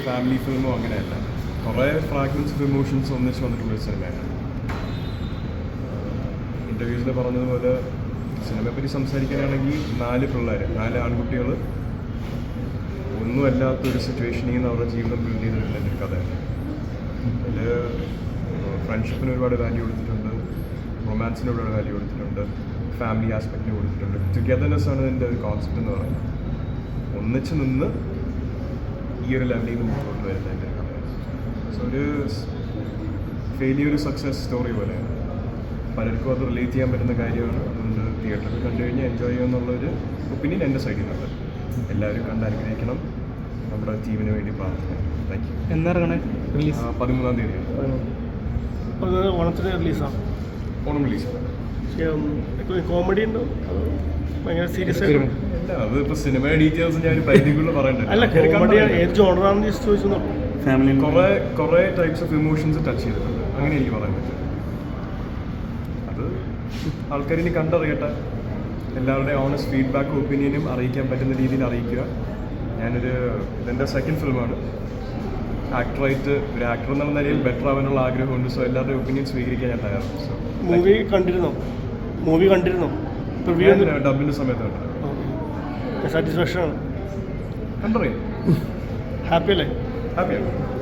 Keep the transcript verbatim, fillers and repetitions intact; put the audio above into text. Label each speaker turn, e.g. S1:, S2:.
S1: Family ഫിലിമോ അങ്ങനെയല്ല. കുറേ fragments of emotions ഒന്നിച്ച് വന്നിട്ടുള്ളൊരു സിനിമയാണ്. ഇൻ്റർവ്യൂസിൽ പറഞ്ഞതുപോലെ സിനിമയെപ്പറ്റി സംസാരിക്കാനാണെങ്കിൽ നാല് പിള്ളേർ, നാല് ആൺകുട്ടികൾ ഒന്നുമല്ലാത്തൊരു സിറ്റുവേഷനിൽ നിന്ന് അവരുടെ ജീവിതം ബിൽഡ് ചെയ്തിട്ടുള്ള ഒരു കഥയാണ്. അതിൽ ഫ്രണ്ട്ഷിപ്പിന് ഒരുപാട് വാല്യൂ കൊടുത്തിട്ടുണ്ട്, റൊമാൻസിന് ഒരുപാട് വാല്യൂ കൊടുത്തിട്ടുണ്ട്, ഫാമിലി ആസ്പെക്റ്റിന് കൊടുത്തിട്ടുണ്ട്. ടുഗെദർനെസ് ആണ് ഇതിൻ്റെ ഒരു കോൺസെപ്റ്റ് എന്ന് പറയുന്നത്. ഒന്നിച്ച് നിന്ന് ഈ ഒരു ലെവലിൽ നിന്ന് മുന്നോട്ട് വരുന്ന എൻ്റെ ഒരു കഥയാണ്. സോ ഒരു ഫെയിലിയർ സക്സസ് സ്റ്റോറി പോലെയാണ്. പലർക്കും അത് റിലേറ്റ് ചെയ്യാൻ പറ്റുന്ന കാര്യമാണ്. അതുകൊണ്ട് തിയേറ്ററിൽ കണ്ടു കഴിഞ്ഞാൽ എൻജോയ് ചെയ്യുമെന്നുള്ളൊരു ഒപ്പീനിയൻ എൻ്റെ സൈഡിൽ നിന്നുണ്ട്. എല്ലാവരും കണ്ട് അനുഗ്രഹിക്കണം. നമ്മുടെ ടീമിന് വേണ്ടി പ്രാർത്ഥിക്കണം. Thank you.
S2: എന്താണ് റിലീസ്?
S1: പതിമൂന്നാം തീയതിയാണ്.
S2: അത് ഓണത്തിന് റിലീസാണ്.
S1: ഓണം റിലീസാണ്.
S2: കോമഡി ഉണ്ടോ ഭയങ്കര സീരിയസ് ആയിട്ട്?
S1: അല്ല, അത് ഇപ്പോൾ സിനിമയുടെ ഡീറ്റെയിൽസ് ഞാൻ പരിധിക്കുള്ള പറയണ്ടല്ലോ.
S2: അല്ല, കോമഡി ഏത് ജോണറാണെന്ന് ജസ്റ്റ് ചോദിച്ചു.
S1: ഫാമിലി കുറേ കുറേ ടൈപ്സ് ഓഫ് ഇമോഷൻസ് ടച്ച് ചെയ്തിട്ടുണ്ട്. അങ്ങനെ എനിക്ക് പറയാൻ പറ്റും. അത് ആൾക്കാരിനി കണ്ടറിയട്ടെ. എല്ലാവരുടെയും ഓണസ്റ്റ് ഫീഡ്ബാക്കും ഒപ്പീനിയനും അറിയിക്കാൻ പറ്റുന്ന രീതിയിൽ അറിയിക്കുക. ഞാനൊരു ഇതെൻ്റെ സെക്കൻഡ് ഫിലിമാണ്. ആക്ടറായിട്ട് ഒരു ആക്ടർ എന്നുള്ള നിലയിൽ ബെറ്റർ ആവാനുള്ള ആഗ്രഹമുണ്ട്. സോ എല്ലാവരുടെയും ഒപ്പീനിയൻ സ്വീകരിക്കാൻ ഞാൻ തയ്യാറാണ്. സോ
S2: മൂവി കണ്ടിരുന്നോ? മൂവി കണ്ടിരുന്നോ?
S1: ഡബിൻ്റെ സമയത്ത് കണ്ടത്.
S2: സാറ്റിസ്ഫാക്ഷൻ ആണ്.
S1: കണ്ടറിയാം.
S2: ഹാപ്പി അല്ലേ?
S1: ഹാപ്പിയാണ്.